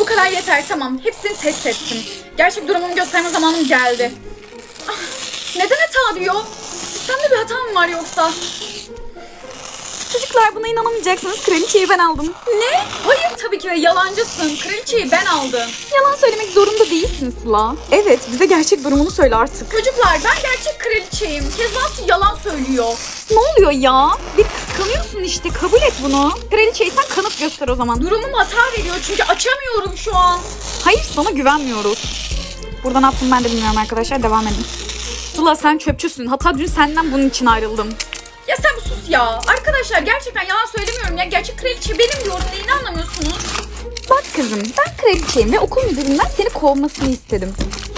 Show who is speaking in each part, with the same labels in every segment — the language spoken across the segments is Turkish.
Speaker 1: kadar yeter, tamam. Hepsini test ettim. Gerçek durumumu gösterme zamanım geldi. Ah, neden hata diyor? Sistemde bir hata mı var yoksa?
Speaker 2: Çocuklar buna inanamayacaksınız. Kraliçeyi ben aldım.
Speaker 1: Ne? Hayır tabii ki de yalancısın. Kraliçeyi ben aldım.
Speaker 2: Yalan söylemek zorunda değilsin Sıla. Evet, bize gerçek durumunu söyle artık.
Speaker 1: Çocuklar ben gerçek kraliçeyim. Kezbansu yalan söylüyor.
Speaker 2: Ne oluyor ya? Bir kıskanıyorsun işte. Kabul et bunu. Kraliçeysen kanıt göster o zaman.
Speaker 1: Durumum hata veriyor çünkü açamıyorum şu an.
Speaker 2: Hayır, sana güvenmiyoruz. Burada ne yaptım ben de bilmiyorum arkadaşlar. Devam edin. Sıla sen çöpçüsün. Hatta dün senden bunun için ayrıldım.
Speaker 1: Ya sen bir sus ya. Arkadaşlar gerçekten yalan söylemiyorum ya. Gerçek kraliçe benim diyorum. Neyini anlamıyorsunuz?
Speaker 2: Bak kızım, ben kraliçeyim ve okul müdüründen seni kovmasını istedim.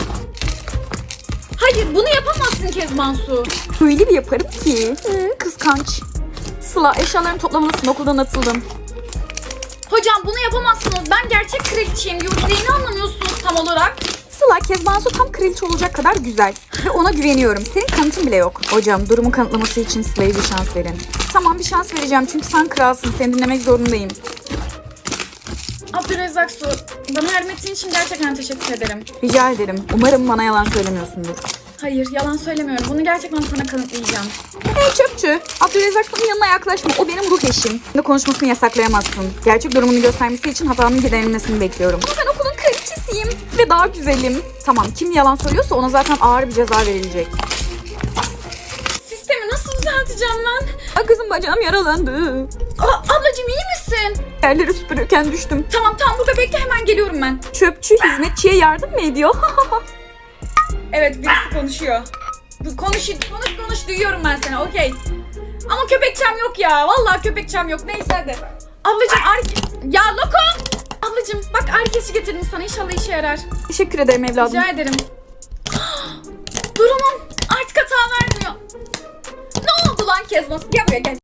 Speaker 1: Hayır bunu yapamazsın Kezbansu.
Speaker 2: Öyle bir yaparım ki. Kıskanç. Sıla eşyalarını toplamalısın, okuldan atıldım.
Speaker 1: Hocam bunu yapamazsınız. Ben gerçek kraliçeyim diyorum. Neyini anlamıyorsunuz tam olarak?
Speaker 2: Sıla Kezbansu tam kraliçe olacak kadar güzel. Ve ona güveniyorum. Senin kanıtın bile yok. Hocam durumu kanıtlaması için Sıla'ya bir şans verin. Tamam bir şans vereceğim çünkü sen kralsın. Seni dinlemek zorundayım.
Speaker 1: Abdülrezzak Su, bana yardım ettiğin için gerçekten teşekkür ederim.
Speaker 2: Rica ederim. Umarım bana yalan söylemiyorsundur.
Speaker 1: Hayır yalan söylemiyorum. Bunu gerçekten sana kanıtlayacağım.
Speaker 2: Hey çöpçü. Abdülrezzak Su'nun yanına yaklaşma. O benim ruh eşim. Ne konuşmasını yasaklayamazsın. Gerçek durumunu göstermesi için hatanın giderilmesini bekliyorum. Ama ben okulun kraliçesiyim. Ve daha güzelim. Tamam kim yalan söylüyorsa ona zaten ağır bir ceza verilecek.
Speaker 1: Sistemi nasıl düzelteceğim ben?
Speaker 2: Ay kızım bacağım yaralandı.
Speaker 1: Ablacığım iyi misin?
Speaker 2: Yerleri süpürürken düştüm.
Speaker 1: Tamam burada bekle, hemen geliyorum ben.
Speaker 2: Çöpçü hizmetçiye yardım mı ediyor?
Speaker 1: Evet birisi konuşuyor. Konuş duyuyorum ben seni, okey. Ama köpekçem yok ya. Vallahi köpekçem yok. Neyse hadi. Ablacığım ya Loko! Ablacığım bak ağrı kesici getirdim sana, inşallah işe yarar.
Speaker 2: Teşekkür ederim evladım.
Speaker 1: Rica ederim. Durumum artık hata vermiyor. Ne oldu lan Kezban? Gel buraya gel.